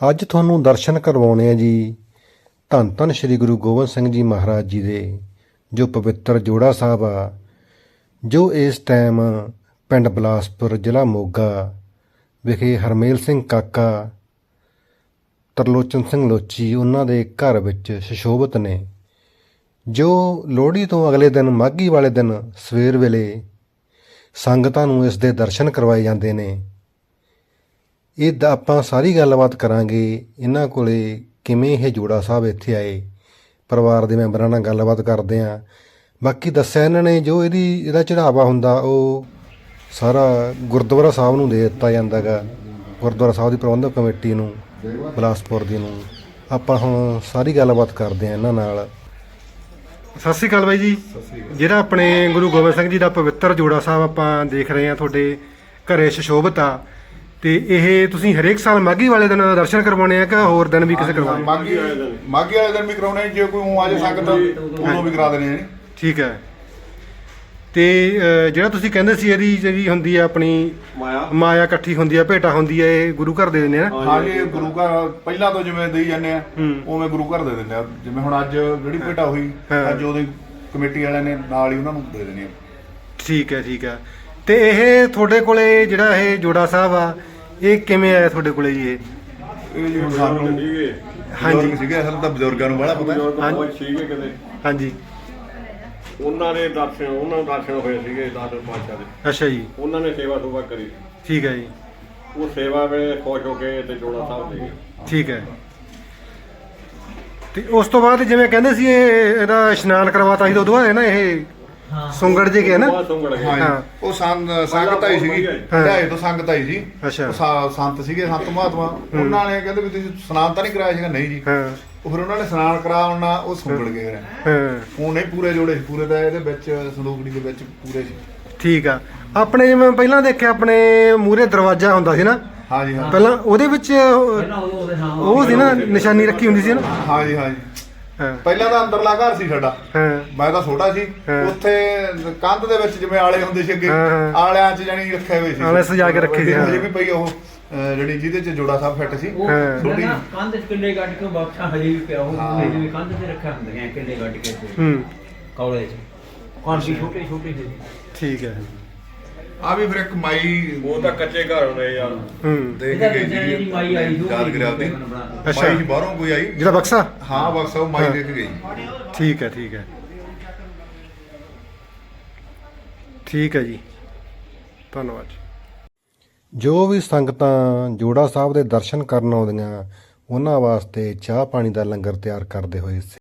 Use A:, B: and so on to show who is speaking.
A: ਅੱਜ ਤੁਹਾਨੂੰ ਦਰਸ਼ਨ ਕਰਵਾਉਣੇ ਆ ਜੀ ਧੰਨ ਧੰਨ ਸ਼੍ਰੀ ਗੁਰੂ ਗੋਬਿੰਦ ਸਿੰਘ ਜੀ ਮਹਾਰਾਜ ਜੀ ਦੇ ਜੋ ਪਵਿੱਤਰ ਜੋੜਾ ਸਾਹਿਬ ਆ, ਜੋ ਇਸ ਟਾਈਮ ਪਿੰਡ ਬਿਲਾਸਪੁਰ ਜ਼ਿਲ੍ਹਾ ਮੋਗਾ ਵਿਖੇ ਹਰਮੇਲ ਸਿੰਘ ਕਾਕਾ, ਤਰਲੋਚਨ ਸਿੰਘ ਲੋਚੀ ਉਹਨਾਂ ਦੇ ਘਰ ਵਿੱਚ ਸੁਸ਼ੋਭਿਤ ਨੇ। ਜੋ ਲੋਹੜੀ ਤੋਂ ਅਗਲੇ ਦਿਨ ਮਾਘੀ ਵਾਲੇ ਦਿਨ ਸਵੇਰ ਵੇਲੇ ਸੰਗਤਾਂ ਨੂੰ ਇਸ ਦੇ ਦਰਸ਼ਨ ਕਰਵਾਏ ਜਾਂਦੇ ਨੇ। ਇਹ ਆਪਾਂ ਸਾਰੀ ਗੱਲਬਾਤ ਕਰਾਂਗੇ ਇਹਨਾਂ ਕੋਲੇ ਕਿਵੇਂ ਇਹ ਜੋੜਾ ਸਾਹਿਬ ਇੱਥੇ ਆਏ, ਪਰਿਵਾਰ ਦੇ ਮੈਂਬਰਾਂ ਨਾਲ ਗੱਲਬਾਤ ਕਰਦੇ ਹਾਂ। ਬਾਕੀ ਦੱਸਿਆ ਇਹਨਾਂ ਨੇ ਜੋ ਇਹਦਾ ਚੜ੍ਹਾਵਾ ਹੁੰਦਾ ਉਹ ਸਾਰਾ ਗੁਰਦੁਆਰਾ ਸਾਹਿਬ ਨੂੰ ਦੇ ਦਿੱਤਾ ਜਾਂਦਾ ਗਾ, ਗੁਰਦੁਆਰਾ ਸਾਹਿਬ ਦੀ ਪ੍ਰਬੰਧਕ ਕਮੇਟੀ ਨੂੰ ਬਿਲਾਸਪੁਰ ਦੀ ਨੂੰ। ਆਪਾਂ ਹੁਣ ਸਾਰੀ ਗੱਲਬਾਤ ਕਰਦੇ ਹਾਂ ਇਹਨਾਂ ਨਾਲ। ਸਤਿ ਸ਼੍ਰੀ ਅਕਾਲ ਬਾਈ ਜੀ। ਜਿਹੜਾ ਆਪਣੇ ਗੁਰੂ ਗੋਬਿੰਦ ਸਿੰਘ ਜੀ ਦਾ ਪਵਿੱਤਰ ਜੋੜਾ ਸਾਹਿਬ ਆਪਾਂ ਦੇਖ ਰਹੇ ਹਾਂ ਤੁਹਾਡੇ ਘਰੇ ਸੁਸ਼ੋਭਿਤ ਆ, ਤੇ ਇਹ ਤੁਸੀਂ ਹਰੇਕ ਸਾਲ ਮਾਘੀ ਵਾਲੇ ਦਿਨ ਦਰਸ਼ਨ ਕਰਵਾਉਣੇ ਆ ਕਿ ਹੋਰ ਦਿਨ ਵੀ ਕਿਸੇ ਕਰਵਾਉਣੇ?
B: ਮਾਘੀ ਵਾਲੇ ਦਿਨ ਵੀ ਕਰਾਉਣੇ, ਜੇ ਕੋਈ ਆ ਜਾ ਸਕਦਾ ਉਦੋਂ ਵੀ ਕਰਾ ਦੇਣੇ। ਠੀਕ
A: ਹੈ। ਤੇ ਜਿਹੜਾ ਤੁਸੀਂ ਕਹਿੰਦੇ ਸੀ ਇਹਦੀ ਜਿਹੜੀ ਹੁੰਦੀ ਆ ਆਪਣੀ ਮਾਇਆ ਇਕੱਠੀ ਹੁੰਦੀ ਆ, ਭੇਟਾ ਹੁੰਦੀ ਆ, ਇਹ ਗੁਰੂ ਘਰ ਦੇ ਦਿੰਦੇ ਆ?
B: ਹਾਂ ਜੀ, ਗੁਰੂ ਘਰ ਪਹਿਲਾਂ ਤੋਂ ਜਿਵੇਂ ਦੇਈ ਜਾਂਦੇ ਆ ਉਵੇਂ ਗੁਰੂ ਘਰ ਦੇ ਦਿੰਦੇ ਆ। ਜਿਵੇਂ ਹੁਣ ਅੱਜ ਜਿਹੜੀ ਭੇਟਾ ਹੋਈ, ਅੱਜ ਉਹਦੀ ਕਮੇਟੀ ਵਾਲਿਆਂ ਨੇ ਨਾਲ ਹੀ ਉਹਨਾਂ ਨੂੰ ਦੇ ਦੇਣੀ ਆ।
A: ਠੀਕ ਹੈ, ਠੀਕ ਹੈ। ਤੇ ਇਹ ਤੁਹਾਡੇ ਕੋਲੇ ਜਿਹੜਾ ਇਹ ਜੋੜਾ ਸਾਹਿਬ ਆ, ਇਹ ਕਿਵੇਂ ਆਇਆ ਤੁਹਾਡੇ ਕੋਲੇ ਜੀ?
B: ਇਹ ਜੀ ਸਾਨੂੰ ਹਾਂਜੀ ਸੀਗੇ, ਅਸਲ ਤਾਂ ਬਜ਼ੁਰਗਾਂ ਨੂੰ ਬੜਾ ਪਤਾ
C: ਸੀਗੇ ਕਿਤੇ।
A: ਹਾਂਜੀ,
C: ਉਹਨਾਂ ਨੂੰ ਦਰਸ਼ਨ ਹੋਏ ਸੀਗੇ ਦਾਦਰ ਪਾਤਸ਼ਾਹ ਦੇ।
A: ਅੱਛਾ ਜੀ।
C: ਉਹਨਾਂ ਨੇ ਸੇਵਾ ਸੁਭਾ ਕਰੀ।
A: ਠੀਕ ਹੈ ਜੀ।
C: ਉਹ ਸੇਵਾ ਵੇਲੇ ਖੁਸ਼ ਹੋ ਕੇ ਤੇ ਜੋੜਾ ਸਾਹਿਬ ਦੇ ਗਏ। ਠੀਕ ਹੈ।
A: ਤੇ ਉਸ ਤੋਂ ਬਾਅਦ ਜਿਵੇਂ ਕਹਿੰਦੇ ਸੀ ਇਹਦਾ ਇਸ਼ਨਾਨ ਕਰਵਾਤਾ ਸੀ, ਉਦੋਂ ਬਾਅਦ ਨਾ ਇਹ ਸੁੰਗੜ ਜੇ ਗਿਆ ਨਾ?
B: ਹਾਂ, ਉਹ ਸੰਗਤ ਆਈ ਸੀਗੀ, ਢਾਈ ਤੋਂ ਸੰਗਤ ਆਈ ਸੀ।
A: ਅੱਛਾ।
B: ਸੰਤ ਸੀਗੇ, ਸੰਤ ਮਹਾਤਮਾ। ਉਹਨਾਂ ਨੇ ਕਹਿੰਦੇ ਵੀ ਤੁਸੀਂ ਸਨਾਨ ਤਾਂ ਨਹੀਂ ਕਰਾਇਆ ਸੀਗਾ? ਨਹੀਂ ਜੀ। ਉਹ ਫਿਰ ਉਹਨਾਂ ਨੇ ਸਨਾਨ ਕਰਾਉਣਾ, ਉਹ ਸੁੰਗੜ ਗਏ। ਉਹ ਨਹੀਂ ਪੂਰੇ ਜੋੜੇ ਸੀ, ਪੂਰੇ ਦਾ ਇਹਦੇ ਵਿੱਚ ਸੰਦੂਕੜੀ ਦੇ ਵਿੱਚ ਪੂਰੇ ਸੀ।
A: ਠੀਕ ਆ। ਆਪਣੇ ਜਿਵੇਂ ਪਹਿਲਾਂ ਦੇਖਿਆ ਆਪਣੇ ਮੂਹਰੇ ਦਰਵਾਜ਼ਾ ਹੁੰਦਾ ਸੀ ਨਾ?
B: ਹਾਂਜੀ ਹਾਂ।
A: ਪਹਿਲਾਂ ਉਹਦੇ ਵਿੱਚ ਉਹ ਸੀ ਨਾ, ਨਿਸ਼ਾਨੀ ਰੱਖੀ ਹੁੰਦੀ ਸੀ ਨਾ?
B: ਹਾਂਜੀ ਹਾਂਜੀ। ਪਹਿਲਾਂ ਤਾਂ ਅੰਦਰਲਾ ਘਰ ਸੀ ਸਾਡਾ, ਮੈਂ ਤਾਂ ਛੋਟਾ ਸੀ। ਉੱਥੇ ਕੰਧ ਦੇ ਵਿੱਚ ਜਿਵੇਂ ਆਲੇ ਹੁੰਦੇ ਸੀ ਅੱਗੇ, ਆਲਿਆਂ 'ਚ ਜਾਨੀ ਰੱਖੇ ਹੋਏ ਸੀ,
A: ਆਲੇ ਸਜਾ ਕੇ ਰੱਖੇ ਸੀ।
B: ਹਜੇ ਵੀ ਪਈ ਉਹ ਜਿਹੜੀ ਜਿਹਦੇ 'ਚ ਜੋੜਾ ਸਾਹਿਬ ਫਿੱਟ ਸੀ।
D: ਕੰਧ 'ਚ ਕਿੱਲੇ ਗੱਡ ਕੇ ਬਖਸ਼ਾ ਹਜੇ ਵੀ ਪਿਆ, ਉਹ ਜਿਵੇਂ ਕੰਧ ਤੇ ਰੱਖਿਆ ਹੁੰਦੀਆਂ ਕਿੱਲੇ ਗੱਡ ਕੇ ਕੌਲੇ 'ਚ ਕਾਂਸੀ ਛੋਟੇ ਛੋਟੇ ਸੀ।
A: ਠੀਕ ਹੈ।
B: ਆ ਵੀ ਫਿਰ ਇੱਕ ਮਾਈ,
C: ਉਹ ਤਾਂ ਕੱਚੇ ਘਰ ਹੁੰਦੇ ਯਾਰ।
B: ਦੇਖ ਕੇ ਗਈ ਜੀ, ਮਾਈ ਆਈ ਯਾਦ ਕਰਿਆ ਉਹਦੀ। ਮਾਈ ਬਾਹਰੋਂ ਕੋਈ ਆਈ
A: ਜਿਹੜਾ ਬਕਸਾ?
B: ਹਾਂ ਬਕਸਾ, ਉਹ ਮਾਈ ਦੇਖ ਗਈ।
A: ਠੀਕ ਹੈ, ਠੀਕ ਹੈ, ਠੀਕ ਹੈ ਜੀ, ਧੰਨਵਾਦ। ਜੋ ਵੀ ਸੰਗਤਾਂ ਜੋੜਾ ਸਾਹਿਬ ਦੇ ਦਰਸ਼ਨ ਕਰਨ ਆਉਂਦੀਆਂ ਉਹਨਾਂ ਵਾਸਤੇ ਚਾਹ ਪਾਣੀ ਦਾ ਲੰਗਰ ਤਿਆਰ ਕਰਦੇ ਹੋਏ